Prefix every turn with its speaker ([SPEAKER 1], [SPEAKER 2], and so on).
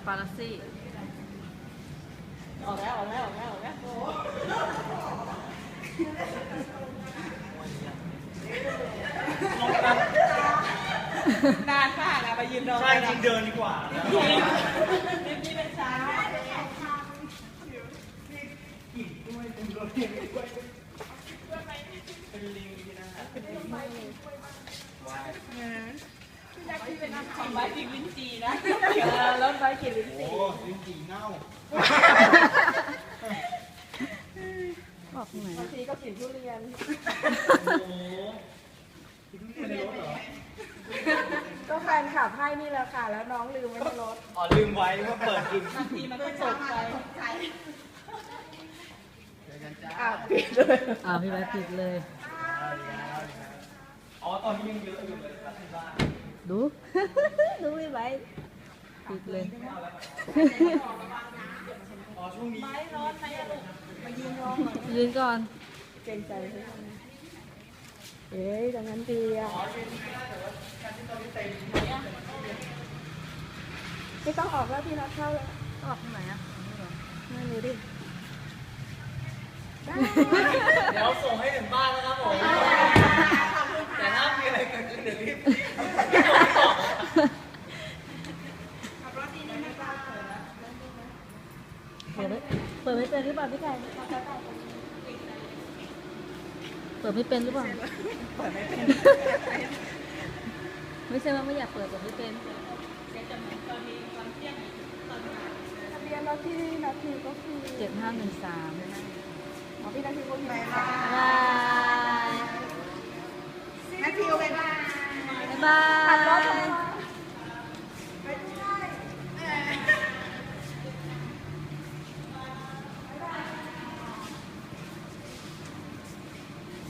[SPEAKER 1] ฟาราซี่
[SPEAKER 2] ออกแล้วนานมากอะไปยืนรอใช่จริงเดินดีกว่านี่เป็นช้าเป็นลิงนะครับเป็นลิงว้ายที่เป็นของใบกินลิ้นจีนะแล้วใบกินลิ้นจีโอ้ลิ้นจีเน่า
[SPEAKER 1] บอกไหน
[SPEAKER 2] บางทีก็กินทุเรียนโอ้กินทุเรียนในรถเหรอก็แฟนขับให้นี่แหละค่ะแล้วน้องลืมไว้ในรถอ๋อลืมไว้ว่าเปิดกินบางทีมันก็ตกใจปิดเลย
[SPEAKER 1] พี่แบ๊ปิดเลย
[SPEAKER 2] อ๋อตอนนี้ยังเยอะอยู่เลยครับที่บ้าน
[SPEAKER 1] ดูพี่แบ๊ปิดเลย
[SPEAKER 2] อ๋อช่วงนี้ไม่ร้อนไหมลูกมายืนรอ
[SPEAKER 1] ยืนก่อน
[SPEAKER 2] เกรงใจดังนั้นดีอ่ะไม่ต้องออกแล้วพี่นัดเข้าแล้ว
[SPEAKER 1] ออกทางไหนอ่ะ
[SPEAKER 2] ไม่รู้ดิเดี๋ยวส่งให้ถึงบ้านนะครับผมแต่ถ้ามีอะไรเกิดขึ้นเดี๋ยวรีบ
[SPEAKER 1] เปิดไม่เป็นหรือเปล่าพี่ไก่เปิดไม่เป็นหรือเปล่าไม่ใช่ว่าไม่อยากเปิดไม่เป็น
[SPEAKER 2] ทะเบียนรถที่นาทีก็คือ
[SPEAKER 1] 7513
[SPEAKER 2] อ๋อพี่นาทีก็มี
[SPEAKER 1] บาย
[SPEAKER 2] นาทีโอเค
[SPEAKER 1] บ๊ายบาย